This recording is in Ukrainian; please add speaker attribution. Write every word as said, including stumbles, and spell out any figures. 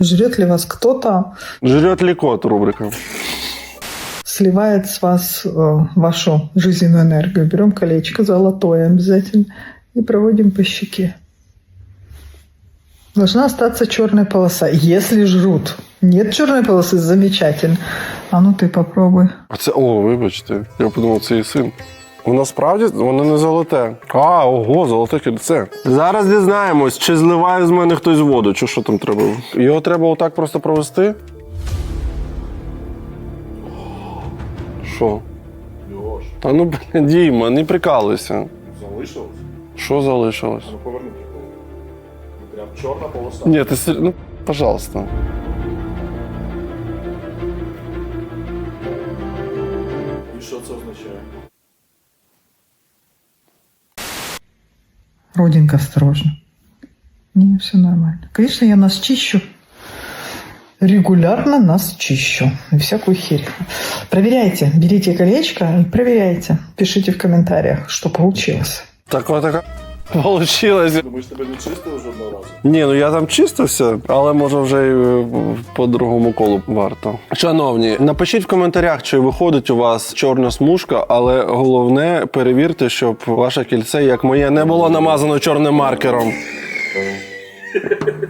Speaker 1: Жрет ли вас кто-то?
Speaker 2: Жрет ли кот, рубрика.
Speaker 1: Сливает с вас э, вашу жизненную энергию. Берем колечко золотое обязательно и проводим по щеке. Должна остаться черная полоса, если жрут. Нет черной полосы, замечательно. А ну ты попробуй.
Speaker 2: А це, о, вибачте, я подумав, це і син. Воно справді, воно не золоте. А, ого, золоте кільце. Зараз дізнаємось, чи зливає з мене хтось воду, чи що там треба. Його треба отак просто провести? Що?
Speaker 3: Льош,
Speaker 2: Та ну, блін, Діма, не прикалуйся.
Speaker 3: залишилось?
Speaker 2: Що залишилось?
Speaker 3: Ну поверни прикол. Прям чорна полоса.
Speaker 2: Ні, ти сер- ну, пожалуйста.
Speaker 3: І що це означає?
Speaker 1: Родинка, осторожно. Не, все нормально. Конечно, я нас чищу. Регулярно нас чищу. И всякую херь. Проверяйте. Берите колечко и проверяйте. Пишите в комментариях, что получилось.
Speaker 2: Так от така получилось.
Speaker 3: Думаєш, тебе не чистили жодного разу?
Speaker 2: Ні, ну я там чистився, але може вже й е, по другому колу варто. Шановні, напишіть в коментарях, чи виходить у вас чорна смужка, але головне перевірте, щоб ваше кільце, як моє, не було намазано чорним маркером.